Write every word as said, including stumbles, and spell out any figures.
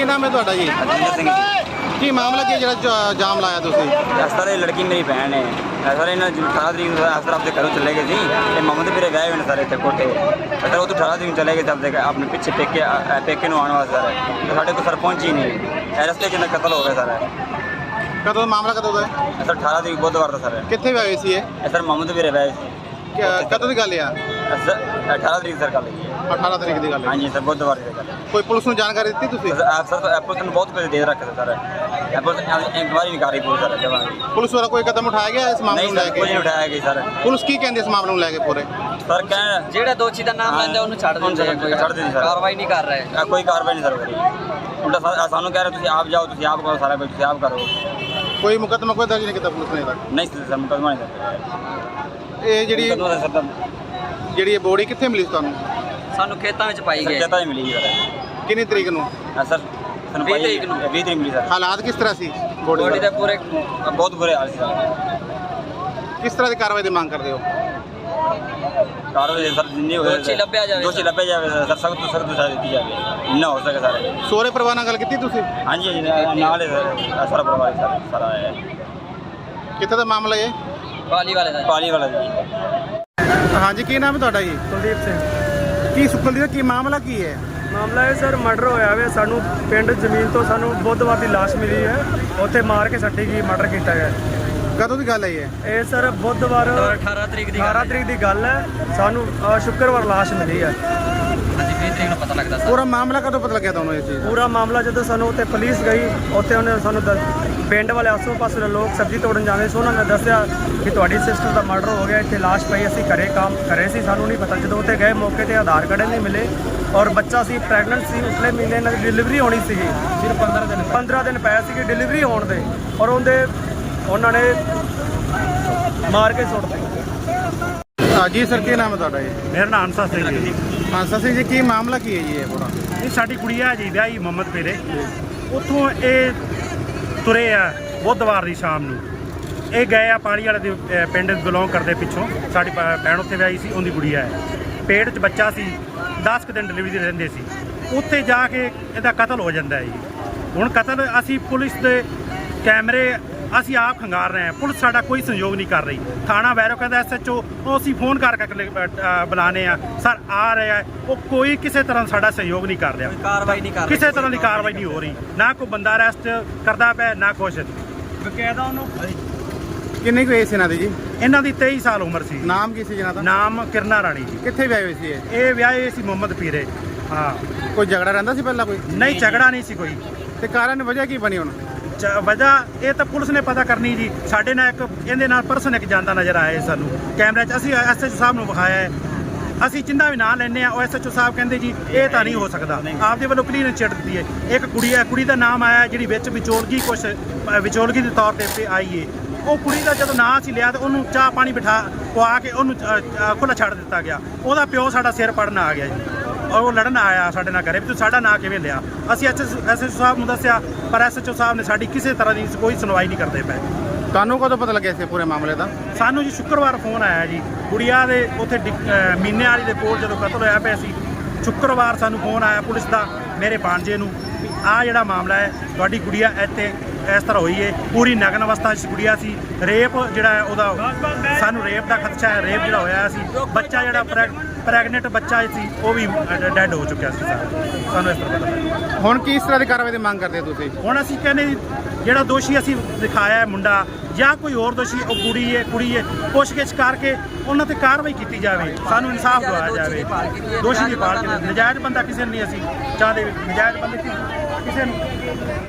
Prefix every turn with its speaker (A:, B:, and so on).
A: ਕੀ ਨਾਮ ਹੈ ਤੁਹਾਡਾ ਜੀ?
B: ਅਜਿੰਦਰ ਸਿੰਘ ਜੀ।
A: ਕੀ ਮਾਮਲਾ ਕੀ ਹੈ ਜਿਹੜਾ ਜਾ- ਜਾਮ ਲਾਇਆ ਤੁਸੀਂ?
B: ਇਸ ਤਰ੍ਹਾਂ ਇਹ ਲੜਕੀ ਮੇਰੀ ਭੈਣ ਹੈ। ਸਰ ਇਹਨਾਂ ਅਠਾਰਾਂ ਤਰੀਕ ਨੂੰ ਅਫਸਰ ਆਪਦੇ ਘਰੋਂ ਚਲੇ ਗਏ ਸੀ ਤੇ ਮੁਹੰਮਦ ਵੀਰੇ ਵਿਆਹ ਹੋਏ ਨੇ ਸਾਰੇ ਇੱਥੇ ਕੋਠੇ। ਸਰ ਉਹ ਤੋਂ ਅਠਾਰਾਂ ਤਰੀਕ ਨੂੰ ਚਲੇ ਗਏ ਸੀ ਆਪਦੇ ਆਪਣੇ ਪਿੱਛੇ ਪੇਕੇ ਅ, ਪੇਕੇ ਨੂੰ ਆਉਣ ਵਾਸਤੇ ਸਰ। ਤੇ ਸਾਡੇ ਕੋਲ ਸਰ ਪਹੁੰਚੀ ਨਹੀਂ। ਇਹ ਰਸਤੇ 'ਚ ਇਹਨਾਂ ਕਤਲ ਹੋ ਗਿਆ ਸਰ।
A: ਕਦੋਂ ਦਾ ਮਾਮਲਾ ਕਦੋਂ ਦਾ ਹੈ?
B: ਸਰ ਅਠਾਰਾਂ ਤਰੀਕ ਬੁੱਧਵਾਰ ਦਾ ਸਰ।
A: ਕਿੱਥੇ ਹੋਏ ਸੀ ਇਹ?
B: ਇਹ ਸਰ ਮੁਹੰਮਦ ਵੀਰੇ ਵਿਆਹ ਸੀ।
A: ਕਿ- ਕਦੋਂ ਦੀ ਗੱਲ ਆ?
B: ਸਰ ਅਠਾਰਾਂ ਤਰੀਕ ਸਰ ਗੱਲ ਹੈਗੀ ਹੈ।
A: ਅਠਾਰਾਂ ਤਰੀਕ ਦੀ ਗੱਲ ਹੈ।
B: ਹਾਂਜੀ ਸਰ ਬੁੱਧਵਾਰ ਦੀ ਗੱਲ ਹੈ।
A: ਕੋਈ ਪੁਲਿਸ ਨੂੰ ਜਾਣਕਾਰੀ ਦਿੱਤੀ ਤੁਸੀਂ?
B: ਸਰ ਐਪ ਸਰ ਐਪਲ ਨੂੰ ਬਹੁਤ ਪੈਸੇ ਦੇ ਰੱਖੇ ਸਰ। ਐਪਲ ਇਨਕੁਆਰੀ ਨਹੀਂ ਕਰ ਰਹੀ ਪੁਲਿਸ ਸਰ ਜਮਾਂ ਦੀ।
A: ਪੁਲਿਸ ਵੱਲੋਂ ਕੋਈ ਕਦਮ ਉਠਾਇਆ ਗਿਆ ਇਸ ਮਾਮਲੇ
B: ਨਹੀਂ
A: ਨੂੰ ਲੈ
B: ਸਰ ਕੁਝ ਨਹੀਂ
A: ਕੇ?
B: ਉਠਾਇਆ ਗਿਆ ਸਰ।
A: ਪੁਲਿਸ ਕੀ ਕਹਿੰਦੀ ਇਸ ਮਾਮਲੇ ਨੂੰ ਲੈ ਕੇ ਪੂਰੇ?
B: ਸਰ ਕਹਿਣ
C: ਜਿਹੜਾ ਦੋਸ਼ੀ ਦਾ ਨਾਮ ਲੈਂਦਾ ਉਹਨੂੰ ਛੱਡ ਦਿੰਦੇ ਆ, ਕੋਈ
B: ਛੱਡ ਦਿੰਦੇ ਸਰ।
C: ਕਾਰਵਾਈ ਨਹੀਂ ਕਰ ਰਹੇ।
B: ਅ, ਕੋਈ ਕਾਰਵਾਈ ਨਹੀਂ ਸਰ ਹੋ ਰਹੀ। ਉਲਟਾ ਸਾ- ਸਾਨੂੰ ਕਹਿ ਰਹੇ ਤੁਸੀਂ ਆਪ ਜਾਓ, ਤੁਸੀਂ ਆਪ ਕਰੋ, ਸਾਰਾ ਕੁਝ ਤੁਸੀਂ ਆਪ ਕਰੋ।
A: ਕੋਈ ਮੁਕੱਦਮਾ ਕੋਈ ਦਰਜ ਨਹੀਂ ਕੀਤਾ ਪੁਲਿਸ ਨੇ ਤੱਕ?
B: ਨਹੀਂ ਸਰ ਮੁਕੱਦਮਾ ਨਹੀਂ ਸਰ।
A: ਇਹ ਜਿਹੜੀ
B: ਮੁਕੱਦਮਾ ਸਰ ਤਾਂ
A: ਜਿਹੜੀ ਇਹ ਬੋਡੀ ਕਿੱਥੇ ਮਿਲੀ ਸੀ ਤੁਹਾਨੂੰ?
C: ਸਾਨੂੰ ਖੇਤਾਂ ਵਿੱਚ ਪਾਈ ਗਏ।
B: ਚੇਤਾ ਹੀ ਮਿਲੀ ਸਰ।
A: ਕਿੰਨੀ ਤਰੀਕ ਨੂੰ?
B: ਅ, ਸਰ ਸਾਨੂੰ
C: ਵੀਹ
B: ਭਾਈ
C: ਤਰੀਕ ਨੂੰ।
B: ਵੀਹ ਤਰੀਕ ਮਿਲੀ ਸਰ।
A: ਹਾਲਾਤ ਕਿਸ ਤਰ੍ਹਾਂ ਸੀ ਬੋਡੀ
C: ਬੋਡੀ
A: ਦੇ?
C: ਦੇ ਪੂਰੇ
B: ਅ, ਬਹੁਤ ਬੁਰੇ ਹਾਲ ਸੀ ਸਰ।
A: ਕਿਸ ਤਰ੍ਹਾਂ ਦੀ ਕਾਰਵਾਈ ਦੀ ਮੰਗ ਕਰਦੇ ਹੋ?
B: ਕਾਰਵਾਈ ਸਰ ਜਿੰਨੀ ਹੋਵੇ
C: ਦੋਸ਼ੀ ਲੱਭਿਆ ਜਾਵੇ
B: ਦੋਸ਼ੀ ਲੱਭਿਆ ਜਾਵੇ ਸਰ। ਸਖਤ ਤੋਂ ਸਖਤ ਸਜ਼ਾ ਦਿੱਤੀ ਜਾਵੇ ਇੰਨਾ ਹੋ ਸਕੇ ਸਰ।
A: ਸਹੁਰੇ ਪਰਿਵਾਰ ਨਾਲ ਗੱਲ ਕੀਤੀ ਤੁਸੀਂ?
B: ਹਾਂਜੀ ਹਾਂਜੀ ਨਾਲ- ਨਾਲ ਹੀ ਸਰ ਅ, ਸਾਰਾ ਪਰਿਵਾਰ ਸਰ ਸਾਰਾ ਹੈ।
A: ਕਿੱਥੇ ਦਾ ਮਾਮਲਾ ਇਹ?
C: ਪਾਲੀ ਵਾਲੇ ਦਾ।
B: ਪਾਲੀ ਵਾਲਾ ਜੀ।
A: ਹਾਂਜੀ ਕੀ ਨਾਮ ਹੈ ਤੁਹਾਡਾ ਜੀ?
D: ਕੁਲਦੀਪ ਸਿੰਘ।
A: ਕੀ ਸੁਖਲਦੀਪ ਕੀ ਮਾਮਲਾ ਕੀ ਹੈ?
D: ਮਾਮਲਾ ਇਹ ਸਰ ਮਰਡਰ ਹੋਇਆ ਵੇ। ਸਾਨੂੰ ਪਿੰਡ ਜ਼ਮੀਨ ਤੋਂ ਸਾਨੂੰ ਬੁੱਧਵਾਰ ਦੀ ਲਾਸ਼ ਮਿਲੀ ਹੈ। ਉੱਥੇ ਮਾਰ ਕੇ ਸੱਟੀ ਗਈ, ਮਰਡਰ ਕੀਤਾ ਗਿਆ।
A: ਕਦੋਂ ਦੀ ਗੱਲ ਹੈ ਇਹ?
D: ਇਹ ਸਰ ਬੁੱਧਵਾਰ
C: ਅਠਾਰਾਂ ਤਰੀਕ ਦੀ ਗੱਲ
D: ਅਠਾਰਾਂ ਤਰੀਕ ਦੀ ਗੱਲ ਹੈ। ਸਾਨੂੰ ਅ, ਸ਼ੁੱਕਰਵਾਰ ਲਾਸ਼ ਮਿਲੀ ਹੈ।
C: ਹਾਂਜੀ ਵੀਹ ਤਰੀਕ ਨੂੰ ਪਤਾ ਲੱਗਦਾ ਸਰ।
A: ਪੂਰਾ ਮਾਮਲਾ ਕਦੋਂ ਪਤਾ ਲੱਗਿਆ ਤੁਹਾਨੂੰ ਇਸ ਚੀਜ਼ ਦਾ?
D: ਪੂਰਾ ਮਾਮਲਾ ਜਦੋਂ ਸਾਨੂੰ ਉੱਥੇ ਪੁਲਿਸ ਗਈ, ਉੱਥੇ ਉਹਨੇ ਸਾਨੂੰ ਦੱਸ- ਪਿੰਡ ਵਾਲੇ ਆਸੋ ਪਾਸੇ ਦੇ ਲੋਕ ਸਬਜ਼ੀ ਤੋੜਨ ਜਾਂਦੇ ਸੀ, ਉਹਨਾਂ ਨੇ ਦੱਸਿਆ ਕਿ ਤੁਹਾਡੀ ਸਿਸਟਰ ਦਾ ਮਰਡਰ ਹੋ ਗਿਆ, ਇੱਥੇ ਲਾਸ਼ ਪਈ। ਅਸੀਂ ਘਰੇ ਕੰਮ ਕਰੇ ਸੀ, ਸਾਨੂੰ ਨਹੀਂ ਪਤਾ। ਜਦੋਂ ਉੱਥੇ ਗਏ ਮੌਕੇ ਤੇ ਆਧਾਰ ਕਾਰਡ ਨਹੀਂ ਮਿਲੇ ਔਰ ਬੱਚਾ ਸੀ, ਪ੍ਰੈਗਨੈਂਟ ਸੀ। ਉਸਲੇ ਮਹੀਨੇ ਨਾਲ ਡਿਲੀਵਰੀ ਹੋਣੀ ਸੀਗੀ। ਸਿਰਫ ਪੰਦਰਾਂ ਦਿਨ ਪੰਦਰਾਂ ਦਿਨ ਪਏ ਸੀਗੇ ਡਿਲੀਵਰੀ ਹੋਣ ਦੇ, ਔਰ ਉਹਦੇ ਉਹਨਾਂ ਨੇ ਮਾਰ ਕੇ ਸੁੱਟ ਦਿੱਤਾ।
A: ਹਾਂ ਜੀ ਸਰ ਕੀ ਨਾਮ ਹੈ ਤੁਹਾਡਾ ਜੀ?
E: ਮੇਰਾ ਨਾਮ ਅੰਸਾ ਸਿੰਘ ਜੀ।
A: ਮਾਨਸਾ ਸਿੰਘ ਜੀ ਕੀ ਮਾਮਲਾ ਕੀ ਹੈ ਜੀ ਇਹ ਪੂਰਾ?
E: ਇਹ ਸਾਡੀ ਕੁੜੀਆ ਜੀ ਵਿਆਹੀ ਮੁਹੰਮਦ ਪੀਰੇ। ਉੱਥੋਂ ਇਹ ਤੁਰੇ ਆ ਬੁੱਧਵਾਰ ਦੀ ਸ਼ਾਮ ਨੂੰ। ਇਹ ਗਏ ਆ ਪਾਣੀ ਵਾਲੇ ਦੇ ਅ, ਪਿੰਡ ਬਿਲੋਂਗ ਕਰਦੇ ਪਿੱਛੋਂ। ਸਾਡੀ ਭ- ਭੈਣ ਉੱਥੇ ਵਿਆਹੀ ਸੀ, ਉਹਦੀ ਕੁੜੀਆ ਹੈ। ਪੇਟ 'ਚ ਬੱਚਾ ਸੀ, ਦਸ ਕੁ ਦਿਨ ਡਿਲੀਵਰੀ ਦੇ ਰਹਿੰਦੇ ਸੀ। ਉੱਥੇ ਜਾ ਕੇ ਇਹਦਾ ਕਤਲ ਹੋ ਜਾਂਦਾ ਹੈ ਜੀ। ਹੁਣ ਕਤਲ ਅਸੀਂ ਪੁਲਿਸ ਦੇ ਕੈਮਰੇ ਅਸੀਂ ਆਪ ਖੰਗਾਰ ਰਹੇ ਹਾਂ। ਪੁਲਿਸ ਸਾਡਾ ਕੋਈ ਸਹਿਯੋਗ ਨਹੀਂ ਕਰ ਰਹੀ। ਥਾਣਾ ਵੈਰੋ ਕਹਿੰਦਾ ਐਸ ਐਚ ਓ, ਉਹ ਅਸੀਂ ਫੋਨ ਕਰ ਕਰਕੇ ਅ, ਬੁਲਾਉਂਦੇ ਆ ਸਰ ਆ ਰਿਹਾ ਹੈ। ਉਹ ਕੋਈ ਕਿਸੇ ਤਰ੍ਹਾਂ ਸਾਡਾ ਸਹਿਯੋਗ ਨਹੀਂ ਕਰ ਰਿਹਾ।
C: ਕਾਰਵਾਈ ਨਹੀਂ ਕਰ ਰਹੇ।
E: ਕਿਸੇ ਤਰ੍ਹਾਂ ਦੀ ਕਾਰਵਾਈ ਨਹੀਂ ਹੋ ਰਹੀ। ਨਾ ਕੋਈ ਬੰਦਾ ਅਰੈਸਟ ਕਰਦਾ ਪਿਆ, ਨਾ ਕੁਛ। ਬਕਾਇਦਾ ਉਹਨੂੰ
A: ਕਿੰਨੀ ਕੁ ਏਜ ਸੀ ਇਹਨਾਂ ਦੀ ਜੀ?
E: ਇਹਨਾਂ ਦੀ ਤੇਈ ਸਾਲ ਉਮਰ ਸੀ।
A: ਨਾਮ ਕੀ ਸੀ ਜਿਹਨਾਂ ਦਾ?
E: ਨਾਮ ਕਿਰਨਾ ਰਾਣੀ ਜੀ।
A: ਕਿੱਥੇ ਵਿਆਹੇ ਹੋਏ ਸੀ ਇਹ?
E: ਇਹ ਵਿਆਹੇ ਸੀ ਮੁਹੰਮਦ ਪੀਰੇ। ਹਾਂ,
A: ਕੋਈ ਝਗੜਾ ਰਹਿੰਦਾ ਸੀ ਪਹਿਲਾਂ ਕੋਈ?
E: ਨਹੀਂ ਝਗੜਾ ਨਹੀਂ ਸੀ ਕੋਈ।
A: ਤੇ ਕਾਰਨ ਵਜ੍ਹਾ ਕੀ ਬਣੀ ਹੁਣ?
E: ਚ- ਵਜ੍ਹਾ ਇਹ ਤਾਂ ਪੁਲਿਸ ਨੇ ਪਤਾ ਕਰਨੀ ਜੀ। ਸਾਡੇ ਨਾਲ ਇੱਕ ਇਹਦੇ ਨਾਲ ਪਰਸਨ ਇੱਕ ਜਾਂਦਾ ਨਜ਼ਰ ਆਇਆ ਸਾਨੂੰ ਕੈਮਰੇ 'ਚ। ਅਸੀਂ ਐਸ ਐਚ ਓ ਸਾਹਿਬ ਨੂੰ ਵਿਖਾਇਆ ਹੈ। ਅਸੀਂ ਜਿੰਦਾ ਵੀ ਨਾਂ ਲੈਂਦੇ ਆ, ਉਹ ਐਸ ਐਚ ਓ ਸਾਹਿਬ ਕਹਿੰਦੇ ਜੀ ਇਹ ਤਾਂ ਨਹੀਂ ਹੋ ਸਕਦਾ। ਆਪਦੇ ਵੱਲੋਂ ਕਲੀਅਰ ਚਿੱਟ ਦਿੱਤੀ ਹੈ। ਇੱਕ ਕੁੜੀ ਹੈ, ਕੁੜੀ ਦਾ ਨਾਮ ਆਇਆ ਜਿਹੜੀ ਵਿੱਚ ਵਿਚੋਲਗੀ ਕੁਛ ਅ, ਵਿਚੋਲਗੀ ਦੇ ਤੌਰ ਤੇ ਇੱਥੇ ਆਈ ਏ। ਉਹ ਕੁੜੀ ਦਾ ਜਦੋਂ ਨਾਂ ਅਸੀਂ ਲਿਆ ਤਾਂ ਉਹਨੂੰ ਚਾਹ ਪਾਣੀ ਬਿਠਾ ਪਵਾ ਕੇ ਉਹਨੂੰ ਖੁੱਲ੍ਹਾ ਛੱਡ ਦਿੱਤਾ ਗਿਆ। ਉਹਦਾ ਪਿਓ ਸਾਡਾ ਸਿਰ ਪੜਨ ਆ ਗਿਆ ਜੀ, ਔਰ ਉਹ ਲੜਨ ਆਇਆ ਸਾਡੇ ਨਾਲ ਘਰੇ ਵੀ ਤੂੰ ਸਾਡਾ ਨਾਂ ਕਿਵੇਂ ਲਿਆ। ਅਸੀਂ ਐਸ ਐਚ ਓ ਸਾਹਿਬ ਨੂੰ ਦੱਸਿਆ, ਪਰ ਐਸ ਐਚ ਓ ਸਾਹਿਬ ਨੇ ਸਾਡੀ ਕਿਸੇ ਤਰ੍ਹਾਂ ਦੀ ਕੋਈ ਸੁਣਵਾਈ ਨਹੀਂ ਕਰਦੇ ਪਏ।
A: ਤੁਹਾਨੂੰ ਕਦੋਂ ਪਤਾ ਲੱਗਿਆ ਸੀ ਪੂਰੇ ਮਾਮਲੇ ਦਾ?
E: ਸਾਨੂੰ ਜੀ ਸ਼ੁੱਕਰਵਾਰ ਫੋਨ ਆਇਆ ਜੀ। ਗੁੜੀਆ ਦੇ ਉੱਥੇ ਡਿਕ- ਅ, ਮੀਨੇ ਵਾਲੀ ਦੇ ਕੋਲ ਜਦੋਂ ਕਤਲ ਹੋਇਆ ਪਿਆ ਸੀ, ਸ਼ੁੱਕਰਵਾਰ ਸਾਨੂੰ ਫੋਨ ਆਇਆ ਪੁਲਿਸ ਦਾ ਮੇਰੇ ਭਾਂਜੇ ਨੂੰ ਵੀ ਆਹ ਜਿਹੜਾ ਮਾਮਲਾ ਹੈ ਤੁਹਾਡੀ ਗੁੜੀਆ ਇੱਥੇ ਇਸ ਤਰ੍ਹਾਂ ਹੋਈ ਹੈ। ਪੂਰੀ ਨਗਨ ਅਵਸਥਾ 'ਚ ਗੁੜੀਆ ਸੀ। ਰੇਪ ਜਿਹੜਾ ਹੈ ਉਹਦਾ ਸਾਨੂੰ ਰੇਪ ਦਾ ਖਦਸ਼ਾ ਹੈ। ਰੇਪ ਜਿਹੜਾ ਹੋਇਆ ਸੀ, ਬੱਚਾ ਜਿਹੜਾ ਪ੍ਰੈਗ ਪ੍ਰੈਗਨੈਂਟ ਬੱਚਾ ਸੀ ਉਹ ਵੀ ਡੈਡ ਹੋ ਚੁੱਕਿਆ ਸੀ। ਸਰ ਸਾਨੂੰ ਇਸ ਤਰ੍ਹਾਂ ਪਤਾ ਲੱਗਾ।
A: ਹੁਣ ਕਿਸ ਤਰ੍ਹਾਂ ਦੀ ਕਾਰਵਾਈ ਦੀ ਮੰਗ ਕਰਦੇ ਹੋ ਤੁਸੀਂ?
E: ਹੁਣ ਅਸੀਂ ਕਹਿੰਦੇ ਜੀ, ਜਿਹੜਾ ਦੋਸ਼ੀ ਅਸੀਂ ਦਿਖਾਇਆ ਹੈ ਮੁੰਡਾ ਜਾਂ ਕੋਈ ਹੋਰ ਦੋਸ਼ੀ, ਉਹ ਕੁੜੀ ਹੈ ਕੁੜੀ ਹੈ ਪੁੱਛਗਿੱਛ ਕਰਕੇ ਉਹਨਾਂ ਤੇ ਕਾਰਵਾਈ ਕੀਤੀ ਜਾਵੇ। ਸਾਨੂੰ ਇਨਸਾਫ ਦਿਵਾਇਆ ਜਾਵੇ। ਦੋਸ਼ੀ ਦੀ ਭਾਲ ਕੀਤੀ। ਨਜਾਇਜ਼ ਬੰਦਾ ਕਿਸੇ ਨੂੰ ਨਹੀਂ ਅਸੀਂ ਚਾਹਦੇ। ਨਜਾਇਜ਼ ਬੰਦੇ ਕਿਸੇ ਨੂੰ